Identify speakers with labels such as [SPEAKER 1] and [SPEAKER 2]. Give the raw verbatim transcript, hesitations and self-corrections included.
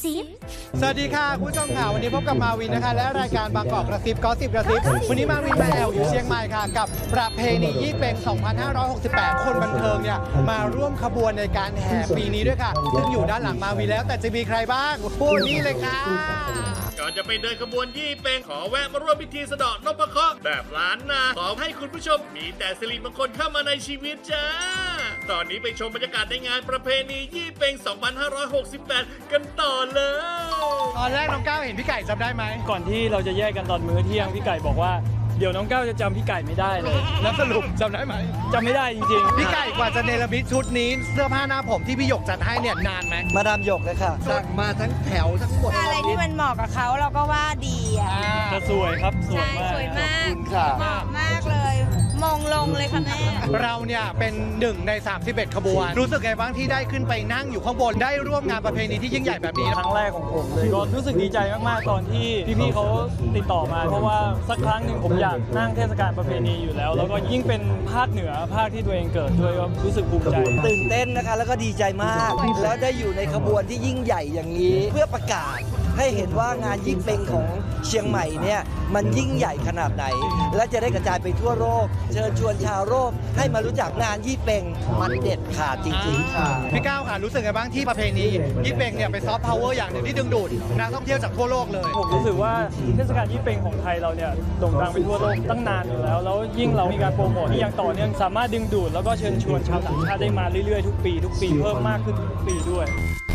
[SPEAKER 1] ซิบ
[SPEAKER 2] สวัสดีค่ะคุณผู้ชมค่ะวันนี้พบกับมาวินนะคะและรายการบางกอกกระซิบก็สิบกระซิบวันนี้มาวินมาแอลอยู่เชียงใหม่ค่ะกับประเพณียี่เป็ง สองพันห้าร้อยหกสิบแปด คนบันเทิงเนี่ยมาร่วมขบวนในการแห่ปีนี้ด้วยค่ะซึ่งอยู่ด้านหลังมาวินแล้วแต่จะมีใครบ้างพูดนี่เลยค่ะ
[SPEAKER 3] ก่อนจะไปเดินขบวนยี่เป็งขอแวะมาร่วมพิธีสะเดาะนพเคราะห์แบบล้านนาขอให้คุณผู้ชมมีแต่สิริมงคลเข้ามาในชีวิตจ้าตอนนี้ไปชมบรรยากาศในงานประเพณียี่เป็ง สองพันห้าร้อยหกสิบแปด กันต่อเลย
[SPEAKER 2] ตอนแรกน้องก้าวเห็นพี่ไก่จำได้ไหม
[SPEAKER 4] ก่อนที่เราจะแยกกันตอนมื้อเที่ยงพี่ไก่บอกว่าเดี๋ยวน้องก้าวจะจำพี่ไก่ไม่ได้เลย
[SPEAKER 2] แล้วสรุปจำได้ไหม
[SPEAKER 4] จำไม่ได้จริงๆ
[SPEAKER 2] พี่ไก่กว่าจะเนรมิตชุดนี้เสื้อผ้าหน้าผมที่พี่หยกจัดให้เนี่ยนานไหม
[SPEAKER 5] มาดามหยกเลยค่ะสั่งมาทั้งแถวทั้งหมด
[SPEAKER 6] อะไรที่มันเหมาะกับเขาเราก็ว่าดีอ่ะ
[SPEAKER 4] จะสวยครับสวย
[SPEAKER 6] ใช่
[SPEAKER 4] มาก
[SPEAKER 6] สวยมาก
[SPEAKER 5] ค่ะ
[SPEAKER 6] เหมาะมากเลย มองลงเลยค่ะแม่
[SPEAKER 2] เราเนี่ยเป็นหนึ่งในสามสิบเอ็ดขบวนรู้สึกไงบ้างที่ได้ขึ้นไปนั่งอยู่ข้างบนได้ร่วมงานประเพณีที่ยิ่งใหญ่แบบนี้
[SPEAKER 4] ครั้งแรกของผมเลยก็รู้สึกดีใจมากๆตอนที่พี่ๆเขาติดต่อมาเพราะว่าสักครั้งหนึ่งผมอยากนั่งเทศกาลประเพณีอยู่แล้วแล้วก็ยิ่งเป็นภาคเหนือภาคที่ตัวเองเกิดด้วยก็รู้สึกภูมิใจ
[SPEAKER 5] ตื่นเต้นนะคะแล้วก็ดีใจมาก แล้วได้อยู่ในขบวนที่ยิ่งใหญ่อย่างนี้ เพื่อประกาศให้เห็นว่างานยี่เป็งของเชียงใหม่เนี่ยมันยิ่งใหญ่ขนาดไหน และจะได้กระจายไปทั่วโลกเชิญชวนชาวโลกให้มารู้จักงานยี่เป็งมันเด็ดขาดจริงๆค่ะ
[SPEAKER 2] พี่ก้าวค่ะรู้สึกไงบ้างที่ประเพณียี่เป็งเนี่ยเป็นซอฟต์พาวเวอร์อย่างหนึ่งที่ดึงดูดนักท่องเที่ยวจากทั่วโลกเลย
[SPEAKER 4] ผมรู้สึกว่าเทศกาลยี่เป็งของไทยเราเนี่ยโด่งดังไปทั่วโลกตั้งนานอยู่แล้วแล้วยิ่งเรามีการโปรโมทที่ยังต่อเนื่องสามารถดึงดูดแล้วก็เชิญชวนชาวต่างชาติได้มาเรื่อยๆทุกปีทุกปีเพิ่มมากขึ้นทุกปีด้วย